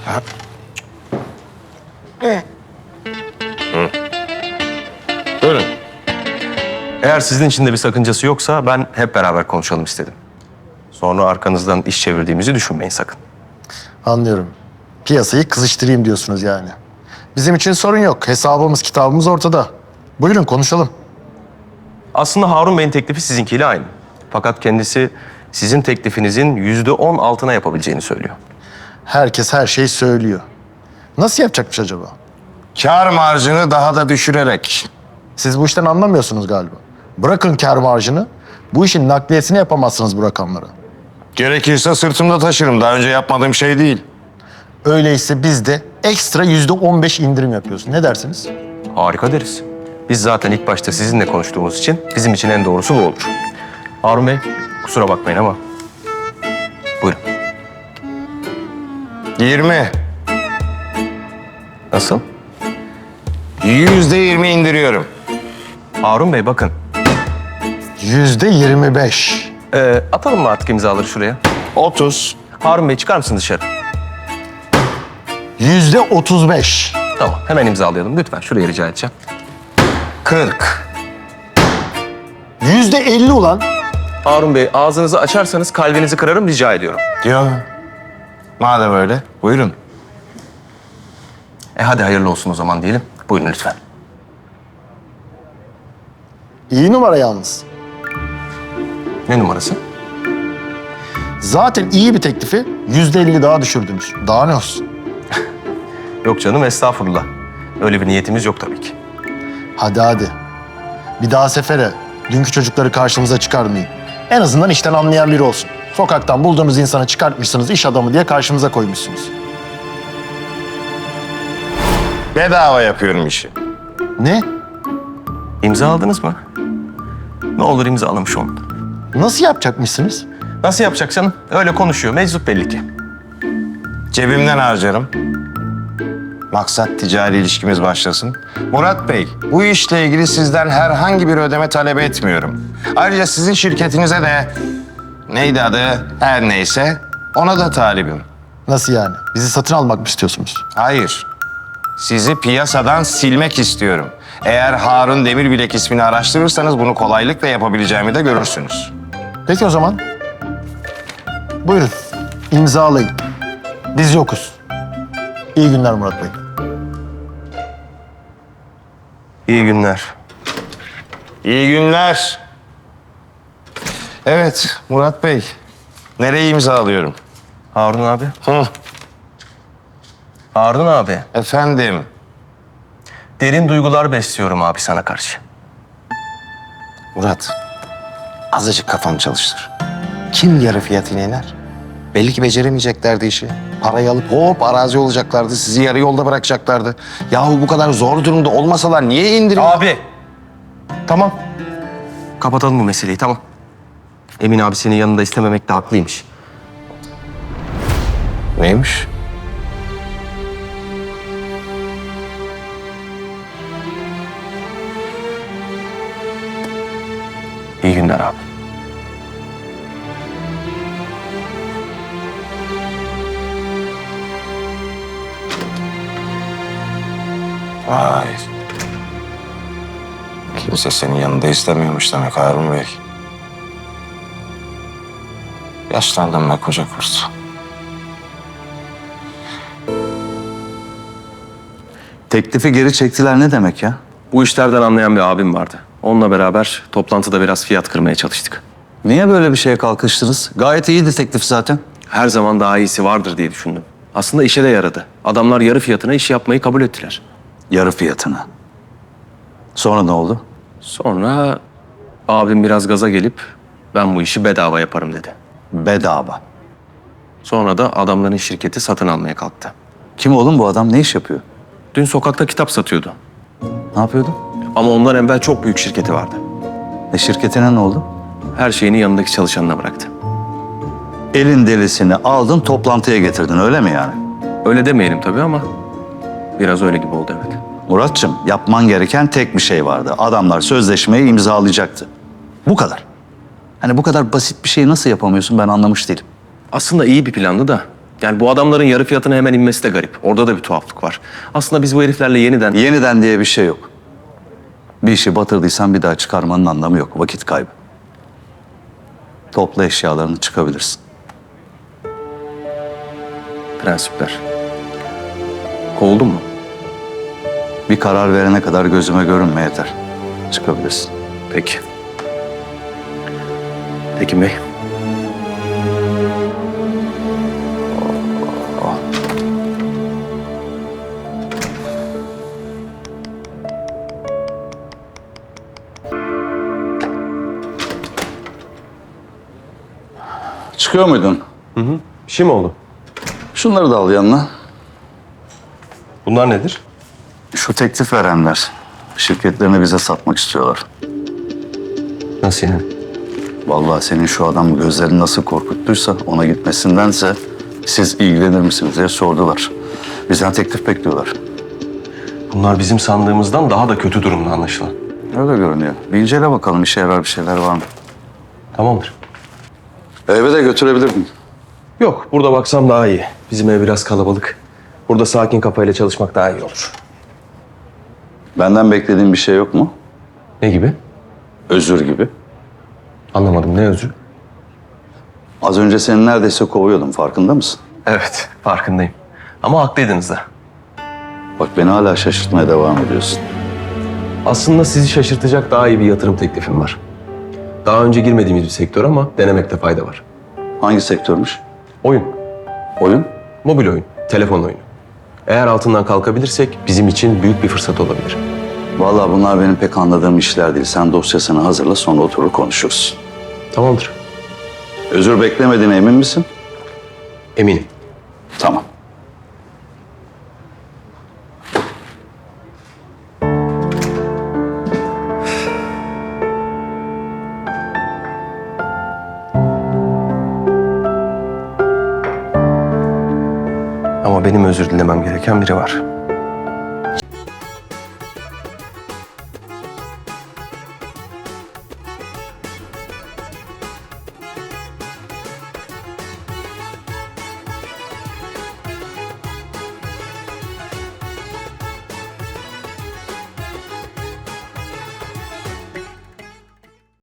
Buyurun. Eğer sizin için de bir sakıncası yoksa ben hep beraber konuşalım istedim. Sonra arkanızdan iş çevirdiğimizi düşünmeyin sakın. Anlıyorum. Piyasayı kızıştırayım diyorsunuz yani. Bizim için sorun yok. Hesabımız, kitabımız ortada. Buyurun konuşalım. Aslında Harun Bey'in teklifi sizinkiyle aynı. Fakat kendisi sizin teklifinizin %10 altına yapabileceğini söylüyor. Herkes her şeyi söylüyor. Nasıl yapacakmış acaba? Kâr marjını daha da düşürerek. Siz bu işten anlamıyorsunuz galiba. Bırakın kâr marjını. Bu işin nakliyesini yapamazsınız bu rakamlara. Gerekirse sırtımda taşırım. Daha önce yapmadığım şey değil. Öyleyse biz de ekstra %15 indirim yapıyoruz. Ne dersiniz? Harika deriz. Biz zaten ilk başta sizinle konuştuğumuz için bizim için en doğrusu bu olur. Harun Bey, kusura bakmayın ama buyurun. 20. Nasıl? %20 indiriyorum. Harun Bey bakın. %25. Atalım mı artık imzaları şuraya? 30. Harun Bey çıkar mısın dışarı? %35. Tamam, hemen imzalayalım. Lütfen şuraya rica edeceğim. 40. %50 ulan. Harun Bey, ağzınızı açarsanız kalbinizi kırarım, rica ediyorum. Diyor. Madem öyle, buyurun. Hadi hayırlı olsun o zaman diyelim. Buyurun lütfen. İyi numara yalnız. Ne numarası? Zaten iyi bir teklifi %50 daha düşürdünüz. Daha ne olsun? Yok canım, estağfurullah. Öyle bir niyetimiz yok tabii ki. Hadi. Bir daha sefere dünkü çocukları karşımıza çıkarmayın. En azından işten anlayan biri olsun. Sokaktan bulduğunuz insanı çıkartmışsınız, iş adamı diye karşımıza koymuşsunuz. Bedava yapıyorum işi. Ne? İmza aldınız mı? Ne olur imzalamış olun. Nasıl yapacakmışsınız? Nasıl yapacak canım? Öyle konuşuyor. Meczup belli ki. Cebimden harcarım. Maksat ticari ilişkimiz başlasın. Murat Bey, bu işle ilgili sizden herhangi bir ödeme talep etmiyorum. Ayrıca sizin şirketinize de neydi adı her neyse ona da talibim. Nasıl yani? Bizi satın almak mı istiyorsunuz? Hayır, sizi piyasadan silmek istiyorum. Eğer Harun Demirbilek ismini araştırırsanız bunu kolaylıkla yapabileceğimi de görürsünüz. Peki o zaman. Buyurun, imzalayın. Biz yokuz. İyi günler Murat Bey. İyi günler. İyi günler. Evet, Murat Bey. Nereye imzalıyorum? Harun abi. Hı, Harun abi. efendim. Derin duygular besliyorum abi sana karşı. Murat, azıcık kafanı çalıştır. Kim yarı fiyatına iner? Belli ki beceremeyeceklerdi işi. Parayı alıp hop arazi olacaklardı. Sizi yarı yolda bırakacaklardı. Yahu bu kadar zor durumda olmasalar niye indirim? Abi. Tamam. Kapatalım bu meseleyi, tamam. Emin abi senin yanında istememekte haklıymış. Neymiş? İyi günler abi. Vay. Kimse senin yanında istemiyormuş demek Harun Bey. Yaşlandım be koca kurt. Teklifi geri çektiler ne demek ya? Bu işlerden anlayan bir abim vardı. Onunla beraber toplantıda biraz fiyat kırmaya çalıştık. Niye böyle bir şeye kalkıştınız? Gayet iyiydi teklif zaten. Her zaman daha iyisi vardır diye düşündüm. Aslında işe de yaradı. Adamlar yarı fiyatına iş yapmayı kabul ettiler. Yarı fiyatına. Sonra ne oldu? Sonra abim biraz gaza gelip ben bu işi bedava yaparım dedi. Bedava. Sonra da adamların şirketi satın almaya kalktı. Kim oğlum bu adam? Ne iş yapıyor? Dün sokakta kitap satıyordu. Ne yapıyordu? Ama ondan evvel çok büyük şirketi vardı. Şirketine ne oldu? Her şeyini yanındaki çalışanına bıraktı. Elin delisini aldın toplantıya getirdin öyle mi yani? Öyle demeyelim tabii ama biraz öyle gibi oldu evet. Muratçım yapman gereken tek bir şey vardı. Adamlar sözleşmeyi imzalayacaktı. Bu kadar. Hani bu kadar basit bir şeyi nasıl yapamıyorsun ben anlamış değilim. Aslında iyi bir plandı da Yani bu adamların yarı fiyatına hemen inmesi de garip. Orada da bir tuhaflık var. Aslında biz bu heriflerle yeniden... Yeniden diye bir şey yok. Bir işi batırdıysan bir daha çıkarmanın anlamı yok. Vakit kaybı. Topla eşyalarını, çıkabilirsin. Prensipler. Kovuldun mu? Bir karar verene kadar gözüme görünme yeter. Çıkabilirsin. Peki. Tekin Bey. Çıkıyor muydun? Bir şey mi oldu? Şunları da al yanına. Bunlar nedir? Şu teklif verenler. Şirketlerini bize satmak istiyorlar. Nasıl yani? Vallahi senin şu adam gözlerini nasıl korkuttuysa ona gitmesindense siz ilgilenir misiniz diye sordular. Bizden teklif bekliyorlar. Bunlar bizim sandığımızdan daha da kötü durumda anlaşılan. Öyle görünüyor. Bir incele bakalım işe yarar bir şeyler var mı? Tamamdır. Eve de götürebilirdin. Yok, burada baksam daha iyi. Bizim ev biraz kalabalık. Burada sakin kafayla çalışmak daha iyi olur. Benden beklediğin bir şey yok mu? Ne gibi? Özür gibi. Anlamadım, ne özür? Az önce seni neredeyse kovuyordum, farkında mısın? Evet, farkındayım. Ama haklıydınız da. Bak beni hala şaşırtmaya devam ediyorsun. Aslında sizi şaşırtacak daha iyi bir yatırım teklifim var. Daha önce girmediğimiz bir sektör ama denemekte fayda var. Hangi sektörmüş? Oyun, Oyun? mobil oyun, telefon oyunu. Eğer altından kalkabilirsek bizim için büyük bir fırsat olabilir. Vallahi bunlar benim pek anladığım işler değil. Sen dosyasını hazırla, sonra oturur konuşuruz. Tamamdır. Özür beklemediğine emin misin? Eminim. Tamam. Ama benim özür dilemem gereken biri var.